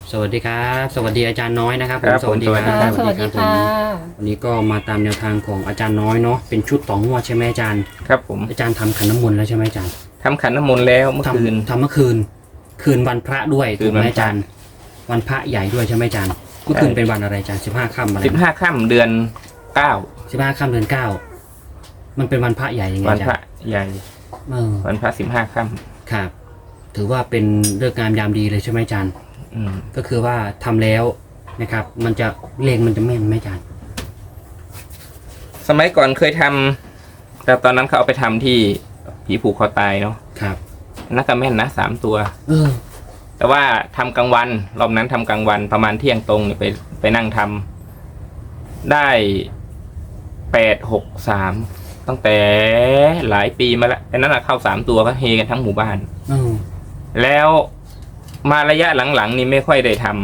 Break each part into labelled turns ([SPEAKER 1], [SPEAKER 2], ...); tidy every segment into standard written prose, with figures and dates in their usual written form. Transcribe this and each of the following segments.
[SPEAKER 1] สวัสดีครับสวัสดีอาจารย์น้อยนะครับ
[SPEAKER 2] ครับ
[SPEAKER 1] สวัสดีครั
[SPEAKER 2] ผม
[SPEAKER 1] บ
[SPEAKER 3] สวัสดีค่ะ
[SPEAKER 1] วันนี้ก็มาตามแนวทางของอาจารย์น้อยเนาะเป็นชุดต่องวดใช่ไหมอาจารย์
[SPEAKER 2] ครับผม
[SPEAKER 1] อาจารย์ทำขันน้ำมนต์แล้วใช่ไหมอาจารย์
[SPEAKER 2] ทำขันน้ำมนต์แล้วเมื่อคืน
[SPEAKER 1] ทำเมื่อคืนวันพระด้วย
[SPEAKER 2] คื
[SPEAKER 1] ถู
[SPEAKER 2] น
[SPEAKER 1] กไหม
[SPEAKER 2] วันพระ
[SPEAKER 1] อาจารย์วันพระใหญ่ด้วยใช่ไหมอาจารย์เมื่อคืนเป็นวันอะไรอาจารย์15 ค่ำอะไร
[SPEAKER 2] 15 ค่ำเดือน
[SPEAKER 1] 15 ค่ำเดือน 9มันเป็นวันพระใหญ่ยังไง
[SPEAKER 2] 9 วัน
[SPEAKER 1] อา
[SPEAKER 2] พ
[SPEAKER 1] จา
[SPEAKER 2] ระ
[SPEAKER 1] รย์
[SPEAKER 2] ใหญ่
[SPEAKER 1] เออ
[SPEAKER 2] วันพระ15 ค่ำ
[SPEAKER 1] ครับ ถือว่าเป็นฤกษ์งามยามดีเลยใช่ไหมอาจารย์
[SPEAKER 2] อืม
[SPEAKER 1] ก็คือว่าทำแล้วนะครับ มันจะเลขมันจะแม่นไหมอาจารย์
[SPEAKER 2] สมัยก่อนเคยทำแต่ตอนนั้นเขาเอาไปทำที่ผีผูกคอตายเนาะ
[SPEAKER 1] ครับ
[SPEAKER 2] นักกระแม่นนะ3 ตัว
[SPEAKER 1] เออ
[SPEAKER 2] แต่ว่าทำกลางวันรอบนั้นทำกลางวันประมาณเที่ยงตรงเนี่ยไปนั่งทำได้863ตั้งแต่หลายปีมาแล้วแต่นั้นนะเข้า3 ตัวก็เฮกันทั้งหมู่บ้าน
[SPEAKER 1] เออ
[SPEAKER 2] แล้วมาระยะหลังๆนี่ไม่ค่อยได้ทำ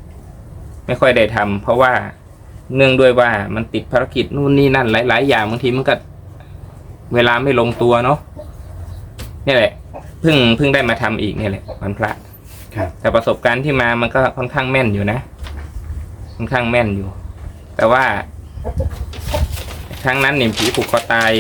[SPEAKER 2] เพราะว่าเนื่องด้วยว่ามันติดภารกิจนู่นนี่นั่นหลายๆอย่างบางทีมันก็เวลาไม่ลงตัวเนาะนี่แหละเพิ่งได้มาทำอีกนี่แหละวันพระ
[SPEAKER 1] ครับ
[SPEAKER 2] แต่ประสบการณ์ที่มามันก็ค่อนข้างแม่นอยู่นะค่อนข้างแม่นอยู่ แต่ว่าครั้งนั้นเนี่ยผีผูกคอตาย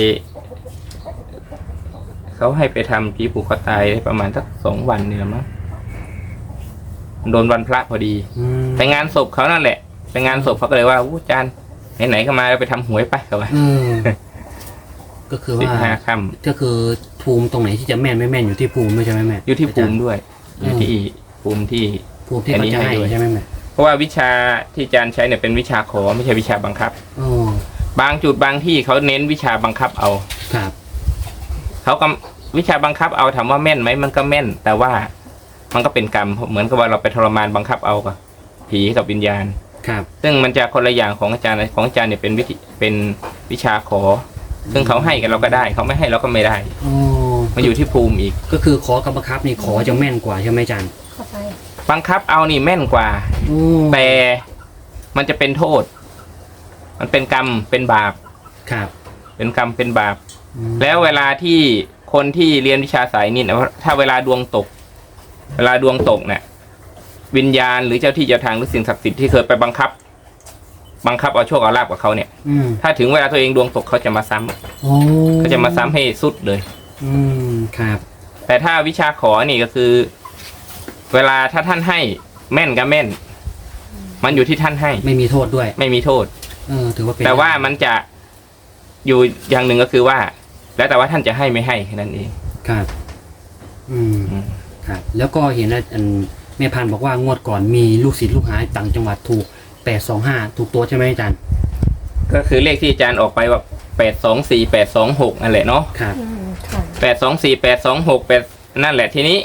[SPEAKER 2] เขาให้ไปทำผีผูกคอตายได้ประมาณสัก2 วันเนี่ยมั้งโดนวันพระพอดี
[SPEAKER 1] อืม
[SPEAKER 2] ไปงานศพเขานั่นแหละไปงานศพเขาก็เลยว่าอู้อาจารย์ไหนๆก็มาเราไปทำหวยไปเขาว่า
[SPEAKER 1] เออ ก็คือว่า
[SPEAKER 2] 15 ค่ำ
[SPEAKER 1] ก็คือภูมิตรงไหนที่จะแม่นไม่แม่นอยู่ที่ภูมิด้วยใช่ไหมแม่
[SPEAKER 2] อยู่ที่ภูมิ
[SPEAKER 1] อาจาร
[SPEAKER 2] ด้วยอยู่ที่ภูมิที่
[SPEAKER 1] ภูมิที่เขาจะให้
[SPEAKER 2] อันนี้ให้ด้วย
[SPEAKER 1] ใช่ไหมแม่
[SPEAKER 2] เพราะว่าวิชาที่อาจารย์ใช้เนี่ยเป็นวิชาขอไม่ใช่วิชาบังคับ
[SPEAKER 1] โอ้
[SPEAKER 2] บางจุดบางที่เขาเน้นวิชาบังคับเอา
[SPEAKER 1] ครับ
[SPEAKER 2] เขาก็วิชาบังคับเอาถามว่าแม่นไหมมันก็แม่น แต่ว่ามันก็เป็นกรรมเหมือนกับว่าเราไปทรมานบังคับเอากับผีกับวิญญาณ
[SPEAKER 1] ครับ
[SPEAKER 2] ซึ่งมันจะคนละอย่างของอาจารย์เนี่ยเป็นวิชาขอ ซึ่งเขาให้กันเราก็ได้เขาไม่ให้เราก็ไม่ได้
[SPEAKER 1] โอ้
[SPEAKER 2] มันอยู่ที่ภูมิอีก
[SPEAKER 1] ก็คือขอกับบังคับนี่ขอจะแม่นกว่าใช่ไหมอาจารย์
[SPEAKER 3] เข้าไป
[SPEAKER 2] บังคับเอานี่แม่นกว่า
[SPEAKER 1] โอ้
[SPEAKER 2] แต่มันจะเป็นโทษ มันเป็นกรรมเป็นบาป
[SPEAKER 1] ครับ
[SPEAKER 2] เป็นกรรมเป็นบาป
[SPEAKER 1] อืม
[SPEAKER 2] แล้วเวลาที่คนที่เรียนวิชาสายนี้นะถ้าเวลาดวงตกเนี่ยวิญญาณหรือเจ้าที่เจ้าทางหรือสิ่งศักดิ์สิทธิ์ที่เคยไปบังคับเอาโชคเอาลาภกับเขาเนี่ย
[SPEAKER 1] อืม
[SPEAKER 2] ถ้าถึงเวลาตัวเองดวงตกเขาจะมาซ้ำ
[SPEAKER 1] โอ้
[SPEAKER 2] ก็จะมาซ้ำให้สุดเลย
[SPEAKER 1] อืมครับ
[SPEAKER 2] แต่ถ้าวิชาขอนี่ก็คือ เวลาถ้าท่านให้แม่นก็แม่น มันอยู่ที่ท่านให้
[SPEAKER 1] ไม่มีโทษด้วย
[SPEAKER 2] ไม่มีโทษ
[SPEAKER 1] ถือว่าเป็น
[SPEAKER 2] แต่ว่ามันจะอยู่อย่างหนึ่งก็คือว่า แล้วแต่ว่าท่านจะให้ไม่ให้แค่นั้นเอง
[SPEAKER 1] ครับ อืม
[SPEAKER 2] อืม
[SPEAKER 1] ครับ แล้วก็เห็นว่าแม่พันธุ์บอกว่างวดก่อนมีลูกศิษย์ลูกหาต่างจังหวัดถูก825ถูกตัวใช่ไหมอาจารย์
[SPEAKER 2] ก็คือเลขที่อาจารย์ออกไปว่า824 826นั่นแหละเนาะ
[SPEAKER 1] ครับ
[SPEAKER 3] ค่ะ
[SPEAKER 2] 824 826 8นั่นแหละทีนี้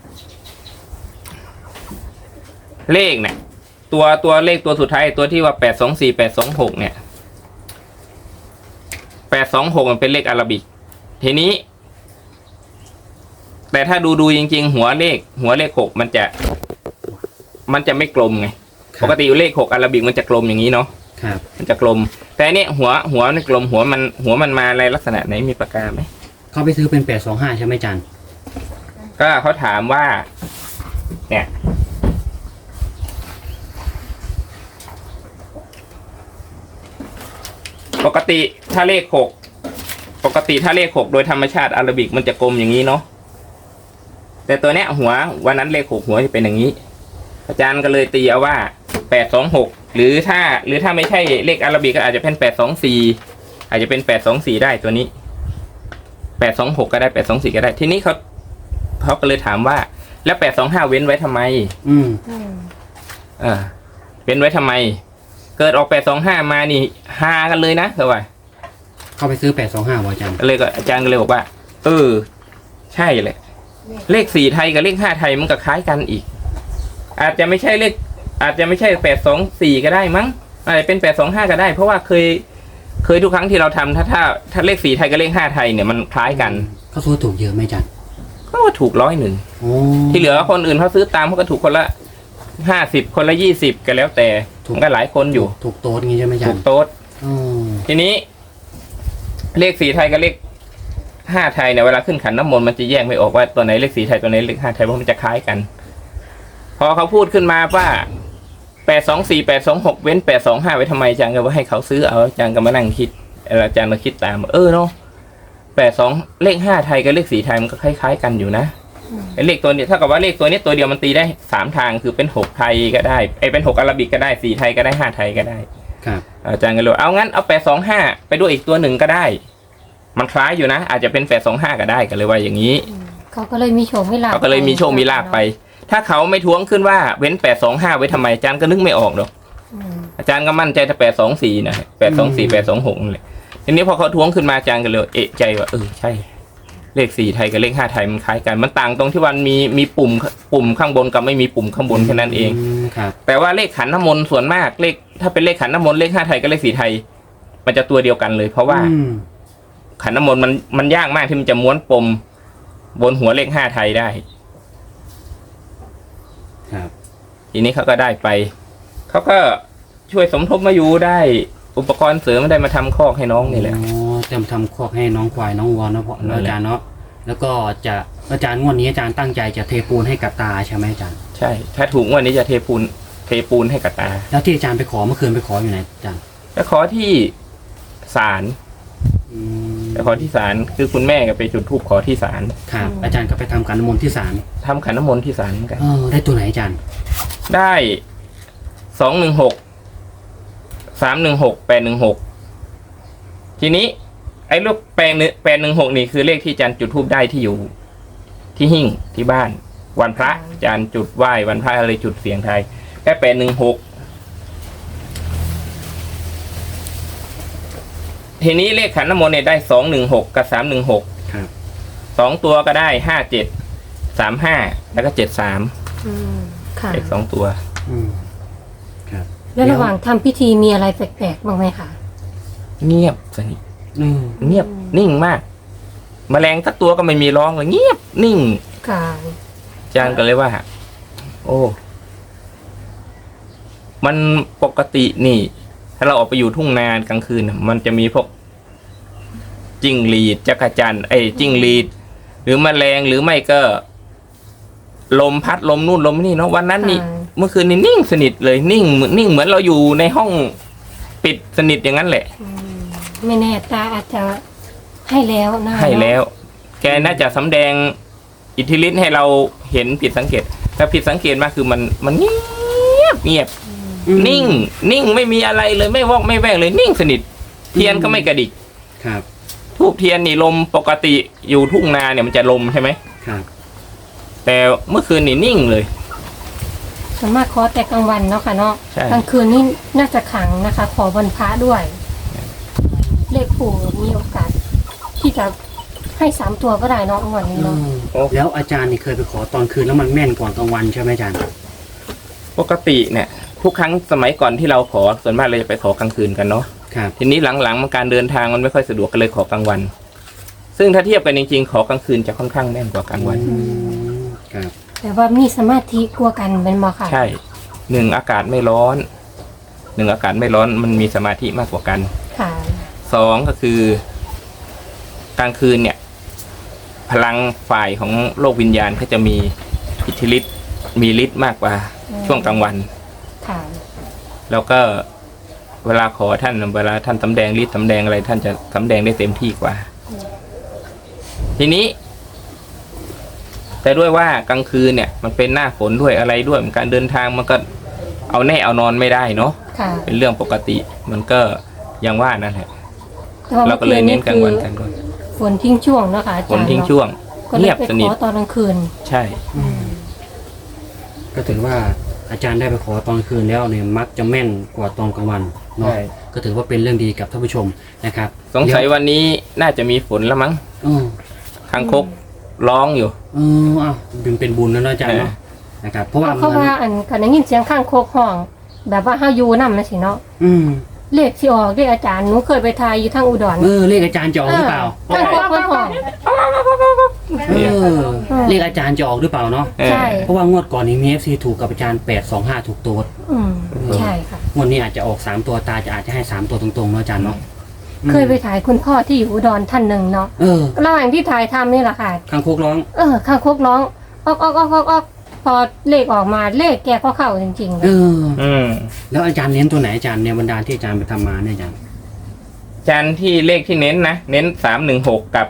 [SPEAKER 2] เลขเนี่ยตัวเลขตัวสุดท้ายตัวที่ว่า824 826เนี่ย826มันเป็นเลขอาราบิก ทีนี้ แต่ถ้าดูจริงๆหัวเลข6มันจะไม่กลมไง
[SPEAKER 1] ครับ
[SPEAKER 2] ปกติเลข6อาราบิกมันจะกลมอย่างนี้เนาะ
[SPEAKER 1] ครับ
[SPEAKER 2] มันจะกลม แต่อันเนี่ยหัวมันกลมหัวมันมาในลักษณะไหนมีปากกาไหม
[SPEAKER 1] เขาไปซื้อเป็น825ใช่ไหมอาจารย์
[SPEAKER 2] ก็เขาถามว่า เนี่ย ปกติถ้าเลข6โดยธรรมชาติอาราบิกมันจะกลมอย่างนี้เนาะแต่ตัวเนี้ยหัววันนั้นเลข6หัวจะเป็นอย่างนี้ อาจารย์ก็เลยตีเอาว่า826หรือถ้าไม่ใช่เลขอาราบิกก็อาจจะเป็น824อาจจะเป็น824ได้ตัวนี้826ก็ได้824ก็ได้ทีนี้เขาก็เลยถามว่าแล้ว825เว้นไว้ทำไม
[SPEAKER 1] อืม
[SPEAKER 2] เว้นไว้ทำไม เกิดออก825มานี่ฮากันเลยนะเขาว่า
[SPEAKER 1] เขาไปซื้อ825ว่ะอาจารย์
[SPEAKER 2] อาจารย์ก็เลยบอกว่าใช่เลยเลข4ไทยกับเลข5ไทยมันก็คล้ายกันอีก อาจจะไม่ใช่824ก็ได้มั้งอาจจะเป็น825ก็ได้ เพราะว่าเคยทุกครั้งที่เราทำถ้าเลข4ไทยกับเลข5ไทยเนี่ยมันคล้ายกัน
[SPEAKER 1] เขาซื้อถูกเยอะไหมอาจารย์
[SPEAKER 2] ก็ว่าถูก100
[SPEAKER 1] โอ้
[SPEAKER 2] ที่เหลือคนอื่นเขาซื้อตามเขาก็ถูกคนละ50คนละ20ก็แล้วแต่มันก็หลายคนอยู่
[SPEAKER 1] ถูกโต๊ดงี้ใช่ไหมอาจา
[SPEAKER 2] ถู
[SPEAKER 1] ร
[SPEAKER 2] ก
[SPEAKER 1] ย์
[SPEAKER 2] โต๊ด
[SPEAKER 1] อ๋อ
[SPEAKER 2] ทีนี้ เลข4ไทยกับเลข5ไทยเนี่ยเวลาขึ้นขันน้ำมนต์มันจะแยกไม่ออกว่าตัวไหนเลข4ไทยตัวไหนเลข5ไทยเพราะมันจะคล้ายกันพอเขาพูดขึ้นมาว่า824 826เว้น825ไว้ทำไมอาจารย์ก็ว่าให้เขาซื้อเอาอาจารย์ก็มานั่งคิดอาจารย์มาคิดตามเนาะ82เลข5ไทยกับเลข4ไทยมันก็คล้ายๆกันอยู่นะไอ้เลขตัวนี้เท่ากับว่าเลขตัวนี้ตัวเดียวมันตีได้3ทางคือเป็น6ไทยก็ได้เป็น6อาราบิกก็ได้4ไทยก็ได้5ไทยก็ได้
[SPEAKER 1] ครับ
[SPEAKER 2] อาจารย์ก็เลยเอางั้นเอา825ไปด้วยอีกตัวหนึ่งก็ได้มันคล้ายอยู่นะอาจจะเป็น825ก็ได้ก็เลยว่าอย่างนี้
[SPEAKER 3] เขาก็เลยมีโชคมีลาภ
[SPEAKER 2] เขาก็เลยมีโชคมีลาภไปถ้าเขาไม่ท้วงขึ้นว่าเว้น825ไว้ทำไมอาจารย์ก็นึกไม่ออกหรอกอาจารย์ก็มั่นใจถ้า824นะ824 826นั่นแหละทีนี้พอเขาท้วงขึ้นมาอาจารย์ก็เลยเอะใจว่าใช่เลข4ไทยกับเลข5ไทยมันคล้ายกันมันต่างตรงที่วันมีปุ่มข้างบนกับไม่มีปุ่มข้างบนแค่นั้นเอง
[SPEAKER 1] ครับ
[SPEAKER 2] แต่ว่าเลขขันน้ำมนต์ส่วนมากเลขถ้าเป็นเลขขันน้ำมนต์เลข5ไทยกับเลข4ไทยมันจะตัวเดียวกันเลยเพราะว่าขันน้ำมนต์มันยากมากที่มันจะม้วนปมบนหัวเลข5ไทยได้
[SPEAKER 1] ครับ
[SPEAKER 2] ทีนี้เขาก็ได้ไปเขาก็ช่วยสมทบมาอยู่ได้อุปกรณ์เสริมได้มาทำคอกให้น้องนี่แหละ
[SPEAKER 1] จะมาทำคอกให้น้องควายน้องวัวเนาะพ่ออาจารย์เนาะแล้วก็จะอาจารย์งวดนี้อาจารย์ตั้งใจจะเทปูนให้กับตาใช่ไหมอาจารย์
[SPEAKER 2] ใช่ถ้าถูกงวดนี้จะเทปูนให้กับตา
[SPEAKER 1] แล้วที่อาจารย์ไปขอเมื่อคืนไปขออยู่ไหนอาจารย์
[SPEAKER 2] ไปขอที่ศาลไปขอที่ศาลคือคุณแม่ก็ไปจุดธูปขอที่ศาล
[SPEAKER 1] ครับอาจารย์ก็ไปทำขันน้ำมนต์ที่ศาล
[SPEAKER 2] ทำขันน้ำมนต์ที่ศาลกัน
[SPEAKER 1] ได้ตัวไหนอาจารย์
[SPEAKER 2] ได้216 316 816ทีนี้ไอ้ลูก816นี่คือเลขที่อาจารย์จุดธูปได้ที่อยู่ที่หิ้งที่บ้านวันพระอาจารย์จุดไหว้วันพระอะไรจุดเสียงไทยแค่816ทีนี้เลขขันน้ำมนต์เนี่ยได้216กับ316
[SPEAKER 1] ครับ
[SPEAKER 2] 2ตัวก็ได้57 35แล้วก็73
[SPEAKER 3] ค่ะ
[SPEAKER 2] เลข2ตัว
[SPEAKER 1] ครับ
[SPEAKER 3] แล้วระหว่างทำพิธีมีอะไรแปลกๆบ้างไหมคะ
[SPEAKER 2] เงียบสนิทเงียบนิ่งมากแมลงสักตัวก็ไม่มีร้องเลยเงียบนิ่ง
[SPEAKER 3] ค่ะ
[SPEAKER 2] อาจารย์ก็เลยว่าโอ้มันปกตินี่ถ้าเราออกไปอยู่ทุ่งนากลางคืนมันจะมีพวกจิ้งหรีดจักรจั่นจิ้งหรีดหรือแมลงหรือไม่ก็ลมพัดลมนู่นลมนี่เนาะวันนั้นนี่เมื่อคืนนี้นิ่งสนิทเลยนิ่งเหมือนเราอยู่ในห้องปิดสนิทอย่างนั้นแหละ
[SPEAKER 3] ไม่แน่ตาอาจจะให้แล้วนะ
[SPEAKER 2] ให้แล้วแกน่าจะสำแดงอิทธิฤทธิ์ให้เราเห็นผิดสังเกตถ้าผิดสังเกตมาคือมันเงียบนิ่งไม่มีอะไรเลยไม่วอกไม่แวกเลยนิ่งสนิทเทียนก็ไม่กระดิก
[SPEAKER 1] ครับ
[SPEAKER 2] ทูบเทียนนี่ลมปกติอยู่ทุ่งนาเนี่ยมันจะลมใช่ไหม
[SPEAKER 1] ครับ
[SPEAKER 2] แต่เมื่อคืนนี่นิ่งเลย
[SPEAKER 3] สามารถขอแต่กลางวันเนาะค่ะเนาะกลางคืนนี่น่าจะขังนะคะขอวันพระด้วยเลขปู่มีโอกาสที่จะให้3ตัวก็ได้เนาะวันนี้เนาะ
[SPEAKER 1] แล้วอาจารย์นี่เคยไปขอตอนคืนแล้วมันแม่นกว่ากลางวันใช่ไหมอาจารย์
[SPEAKER 2] ปกติเนี่ยทุกครั้งสมัยก่อนที่เราขอส่วนมากเราจะไปขอกลางคืนกันเนาะทีนี้หลังๆมันการเดินทางมันไม่ค่อยสะดวกก็เลยขอกลางวันซึ่งถ้าเทียบกันจริงๆขอกลางคืนจะค่อนข้างแม่นกว่ากลางวัน
[SPEAKER 1] ครับ
[SPEAKER 3] แต่ว่ามีสมาธิกลัวกันเป็นบ่ค่ะ
[SPEAKER 2] ใช่1อากาศไม่ร้อนอากาศไม่ร้อนมันมีสมาธิมากกว่ากัน
[SPEAKER 3] ค่ะ
[SPEAKER 2] 2ก็คือกลางคืนเนี่ยพลังฝ่ายของโลกวิญญาณเขาจะมีอิทธิฤทธิ์มีฤทธิ์มากกว่าช่วงกลางวัน
[SPEAKER 3] ค่ะ
[SPEAKER 2] แล้วก็เวลาขอท่านเวลาท่านสำแดงฤทธิ์สำแดงอะไรท่านจะสำแดงได้เต็มที่กว่าทีนี้แต่ด้วยว่ากลางคืนเนี่ยมันเป็นหน้าฝนด้วยอะไรด้วยการเดินทางมันก็เอาแน่เอานอนไม่ได้เนาะเป็นเรื่องปกติมันก็ยังว่านั่นแหละเราก็เลยเน้นกลางวันกันด้วย
[SPEAKER 3] ฝนทิ้งช่วงเนาะค่ะอาจารย์
[SPEAKER 2] ฝนทิ้งช่วงเงียบสนิท
[SPEAKER 3] ขอตอนกลางคืน
[SPEAKER 2] ใช่
[SPEAKER 1] ก็ถือว่าอาจารย์ได้ไปขอตอนคืนแล้วเนี่ยมักจะแม่นกว่าตอนกลางวันเนาะก็ถือว่าเป็นเรื่องดีกับท่านผู้ชมนะครับ
[SPEAKER 2] สงสัยวันนี้น่าจะมีฝนแล้วมั้งคางคกร้องอยู่
[SPEAKER 1] อ้าวเป็นบุญแล้วอาจารย์เนาะนะครับเพราะว่า
[SPEAKER 3] อันกันได้ยินเสียงข้างโคกห้องแบบว่าเฮาอยู่นำนะสิเนาะเลขที่ออกเลขอาจารย์หนูเคยไปทายอยู่ทางอุดร
[SPEAKER 1] เลขอาจารย์จะออกหรือเปล่า
[SPEAKER 3] ข้างโคกห้อง
[SPEAKER 1] เลขอาจารย์จะออกหรือเปล่าเนาะ
[SPEAKER 3] ใช่
[SPEAKER 1] เพราะว่างวดก่อนนี้มี FC ถูกกับอาจารย์825ถูกตัว
[SPEAKER 3] ใช่ค่ะ
[SPEAKER 1] งวดนี้อาจจะออก3ตัวตาจะอาจจะให้3ตัวตรงๆเนาะอาจารย์เนาะ
[SPEAKER 3] เคยไปถ่ายคุณพ่อที่อยู่อุดรท่านหนึ่งเนาะระหว่างที่ถ่ายทำนี่แหละค่ะ
[SPEAKER 1] ข้างโคกร้อง
[SPEAKER 3] ข้างโคกร้องออกพอเลขออกมาเลขแกก็เข้าจริงๆ
[SPEAKER 1] เอ
[SPEAKER 3] เลย
[SPEAKER 1] อแล้วอาจารย์เน้นตัวไหนอาจารย์ในบรรดาที่อาจารย์ไปทำมาเนี่ยอาจารย์
[SPEAKER 2] จานที่เลขที่เน้นนะเน้น316กับ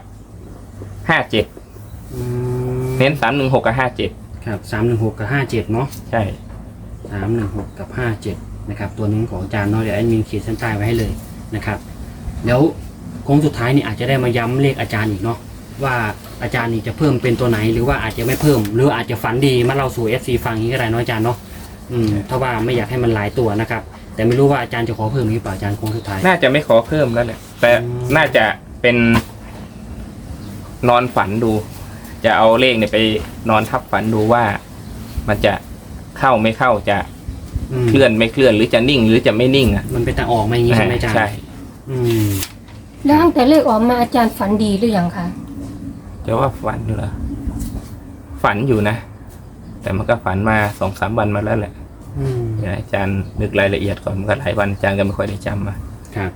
[SPEAKER 2] 57เน้น316กับ57
[SPEAKER 1] ครับ316กับ57เนาะ
[SPEAKER 2] ใช่
[SPEAKER 1] 316กับ57นะครับตัวนี้ของอาจารย์เนาะเดี๋ยวแอดมินขีดเส้นใต้ไว้ให้เลยนะครับแล้วโค้งสุดท้ายนี่อาจจะได้มาย้ำเลขอาจารย์อีกเนาะว่าอาจารย์นี่จะเพิ่มเป็นตัวไหนหรือว่าอาจจะไม่เพิ่มหรืออาจจะฝันดีมาเล่าสู่ FC ฟังอย่างนี้ก็ได้เนาะอาจารย์เนาะถ้าว่าไม่อยากให้มันหลายตัวนะครับแต่ไม่รู้ว่าอาจารย์จะขอเพิ่มหรือเปล่าอาจารย์โค้งสุดท้าย
[SPEAKER 2] น่าจะไม่ขอเพิ่มแล้วแหละแต่น่าจะเป็นนอนฝันดู จะเอาเลขเนี่ยไปนอนทับฝันดูว่ามันจะเข้าไม่เข้าจะเคลื่อนไม่เคลื่อนหรือจะนิ่งหรือจะไม่นิ่งอ่ะ
[SPEAKER 1] มันเป็นทางออกมาอย่างนี้ใช่ไหมอาจารย์
[SPEAKER 2] ใช่
[SPEAKER 3] แล้วตั้งแต่เลขออกมาอาจารย์ฝันดีหรือยังคะ
[SPEAKER 2] จะว่าฝันเหรอฝันอยู่นะแต่มันก็ฝันมา2-3 วันมาแล้วแหละอาจารย์นึกรายละเอียดก่อนมันก็หลายวันอาจารย์ก็ไม่ค่อยได้จำมา
[SPEAKER 1] ครับ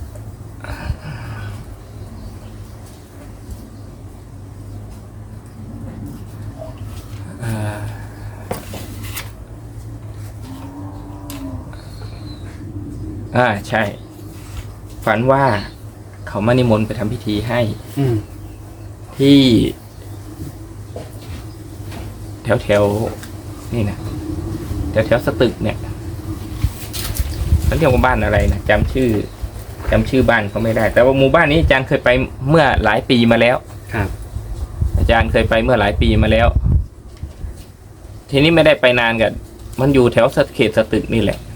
[SPEAKER 2] ใช่ฝันว่าเขามานิมนต์ไปทำพิธีให้ที่แถวนี่นะแถวสตึกเนี่ยเขาเรียกว่าบ้านอะไรนะจำชื่อบ้านเขาไม่ได้แต่ว่าหมู่บ้านนี้อาจารย์เคยไปเมื่อหลายปีมาแล้ว
[SPEAKER 1] ครับ
[SPEAKER 2] อาจารย์เคยไปเมื่อหลายปีมาแล้วทีนี้ไม่ได้ไปนานกันมันอยู่แถวเขตสตึกนี่แหละ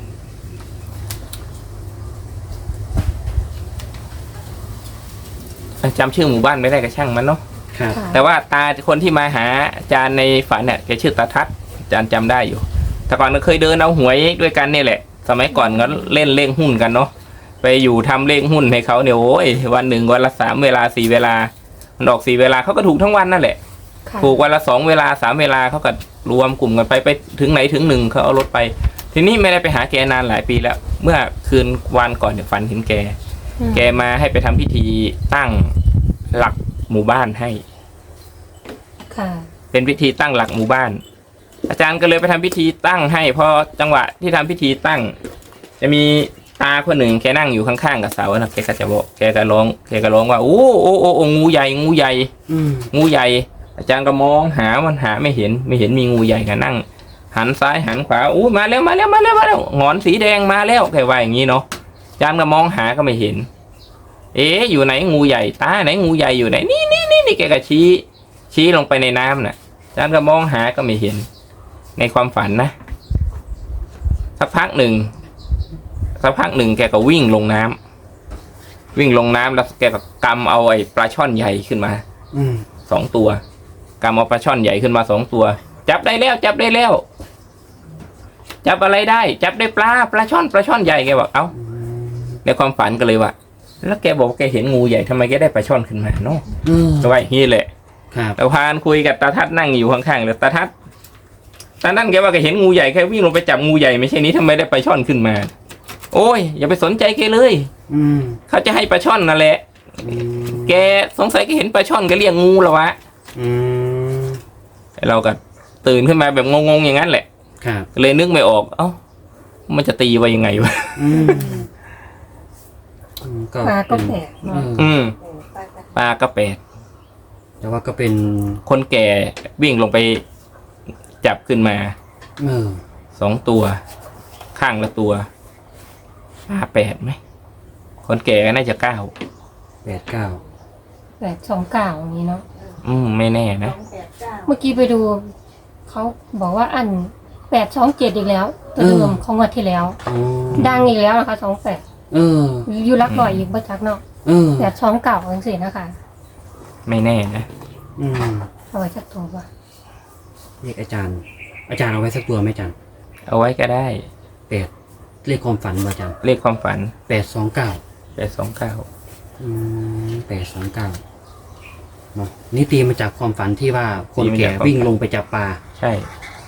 [SPEAKER 2] จำชื่อหมู่บ้านไม่ได้ก็ช่างมันเนาะแต่ว่าตาคนที่มาหาอาจารย์ในฝันเนี่ยแกชื่อตาทัศน์อาจารย์จำได้อยู่แต่ก่อนก็เคยเดินเอาหวยด้วยกันนี่แหละสมัยก่อนก็เล่นเลขหุ้นกันเนาะไปอยู่ทำเลขหุ้นให้เขาเนี่ยโอ้ยวันหนึ่งวันละ3 เวลา4 เวลามันออก4 เวลาเขาก็ถูกทั้งวันนั่นแหละถูกวันละ2 เวลา3 เวลาเขาก็รวมกลุ่มกันไปถึงไหนถึง1เขาเอารถไปทีนี้ไม่ได้ไปหาแกนานหลายปีแล้วเมื่อคืนวันก่อนเนี่ยฝันเห็นแกมาให้ไปทำพิธีตั้งหลักหมู่บ้านให้เป็นพิธีตั้งหลักหมู่บ้านอาจารย์ก็เลยไปทำพิธีตั้งให้พอจังหวะที่ทำพิธีตั้งจะมีตาคนหนึ่งแกนั่งอยู่ข้างๆกับเสานะแกก็จะบอกแกก็ร้องว่าโอ้งูใหญ่งูใหญ่ อาจารย์ก็มองหามันหาไม่เห็นมีงูใหญ่ก็นั่งหันซ้ายหันขวามาแล้วหงอนสีแดงมาแล้วแกว่าอย่างนี้เนาะอาจารย์ก็มองหาก็ไม่เห็นอยู่ไหนงูใหญ่ตาไหนงูใหญ่อยู่ไหนนี่แกก็ชี้ลงไปในน้ำน่ะอาจารย์ก็มองหาก็ไม่เห็นในความฝันนะสักพักหนึ่งแกก็วิ่งลงน้ำแล้วแกก็กำเอาไอ้ปลาช่อนใหญ่ขึ้นมา2 ตัวกำเอาปลาช่อนใหญ่ขึ้นมา2 ตัวจับได้แล้วจับอะไรได้จับได้ปลาช่อนใหญ่แกบอกในความฝันก็เลยว่าแล้วแกบอกแกเห็นงูใหญ่ทำไมแกได้ปลาช่อนขึ้นมาเนาะก็ว่าอย่างนี้แหละแต่พานคุยกับตาทัศน์นั่งอยู่ข้างๆเลยตาทัศน์ตอนนั้นแกว่าแกเห็นงูใหญ่แกวิ่งลงไปจับงูใหญ่ไม่ใช่นี้ทำไมได้ปลาช่อนขึ้นมาโอ้ยอย่าไปสนใจแกเลยเขาจะให้ปลาช่อนนั่นแหละแกสงสัยแกเห็นปลาช่อนแกเรียกงูแล้ววะเราก็ตื่นขึ้นมาแบบงงๆอย่างนั้นแหละเลยนึกไม่ออกมันจะตีไว้ยังไงวะ
[SPEAKER 3] ปลาก็แปลก
[SPEAKER 2] ปลาก็แปลก
[SPEAKER 1] แต่ว่าก็เป็น
[SPEAKER 2] คนแก่วิ่งลงไปจับขึ้นมา2 ตัวข้างละตัวปลา8ไหมคนแก่น่าจะ9
[SPEAKER 1] 8 9
[SPEAKER 3] 829อย่างนี้เนาะ
[SPEAKER 2] ไม่แน่นะ
[SPEAKER 3] เมื่อกี้ไปดูเขาบอกว่าอัน827อีกแล้วตัวเดิมของวันที่แล้วดังอีกแล้วนะคะ28อยู่รักบ่อยอีกประจักเนาะ829จังซี่นะคะ
[SPEAKER 2] ไม่แน่นะ
[SPEAKER 3] เอาไว้สักตัวป่ะ
[SPEAKER 1] เลขอาจารย์เอาไว้สักตัวไหมอาจารย์
[SPEAKER 2] เอาไว้ก็ได้
[SPEAKER 1] เลขความฝันอาจารย์
[SPEAKER 2] เลขความฝัน
[SPEAKER 1] 829เนาะนี่ตีมาจากความฝันที่ว่าคนแก่วิ่งลงไปจับปลา
[SPEAKER 2] ใช่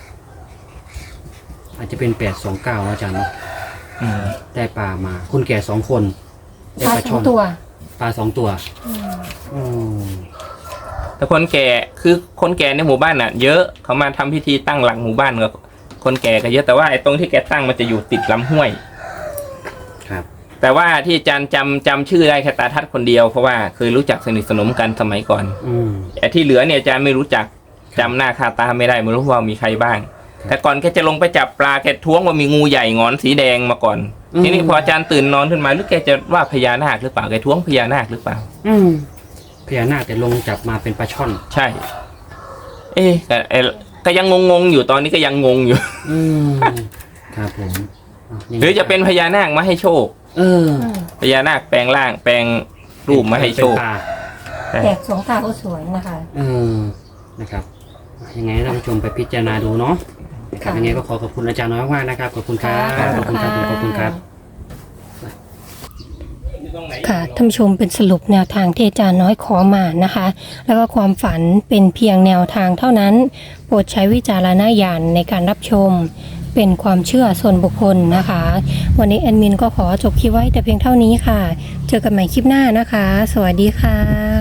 [SPEAKER 1] อาจจะเป็น829อาจารย์เนาะได้ปลามาคนแก่2 คนได้ปลาช่อน
[SPEAKER 3] ตัว
[SPEAKER 1] ปลา2 ตัว
[SPEAKER 2] แต่แต่คนแก่คือคนแก่ในหมู่บ้านน่ะ เยอะเขามาทำพิธีตั้งหลักหมู่บ้านก็คนแก่ก็เยอะแต่ว่าไอ้ตรงที่แกตั้งมันจะอยู่ติดลำห้วย
[SPEAKER 1] ครับ
[SPEAKER 2] แต่ว่าที่อาจารย์จำชื่อได้แค่ตาทัดคนเดียวเพราะว่าเคยรู้จักสนิทสนมกันสมัยก่อน แต่ที่เหลือเนี่ยอาจารย์ไม่รู้จักจำหน้าค่าตาไม่ได้ไม่รู้ว่ามีใครบ้าง แต่ก่อนแกจะลงไปจับปลาแกท้วงว่ามีงูใหญ่งอนสีแดงมาก่อนทีนี้พออาจารย์ตื่นนอนขึ้นมาหรือแกจะว่าพญานาคหรือเปล่าแกท้วงพญานาคหรือเปล่า
[SPEAKER 1] พญานาคแต่ลงจับมาเป็นปลาช่อน
[SPEAKER 2] ใช่ ก็ยังงงอยู่ตอนนี้ก็ยังงงอยู่
[SPEAKER 1] ครับผม
[SPEAKER 2] หรือจะเป็นพญานาคมาให้โชคพญานาคแปลงร่างแปลงรูปมาให้โชค
[SPEAKER 3] แตกสองตาก็สวยนะคะ
[SPEAKER 1] นะครับยังไงท่านผู้ชมไปพิจารณาดูเนาะนะครับยังไงก็ขอบคุณอาจารย์น้อยมากนะครับขอบคุณครับขอบคุณครับขอบคุณครับ
[SPEAKER 3] ค่ะท่านผู้ชมเป็นสรุปแนวทางที่อาจารย์น้อยขอมานะคะ แล้วก็ความฝันเป็นเพียงแนวทางเท่านั้นโปรดใช้วิจารณญาณในการรับชมเป็นความเชื่อส่วนบุคคลนะคะวันนี้แอดมินก็ขอจบคลิปไว้แต่เพียงเท่านี้ค่ะเจอกันใหม่คลิปหน้านะคะสวัสดีค่ะ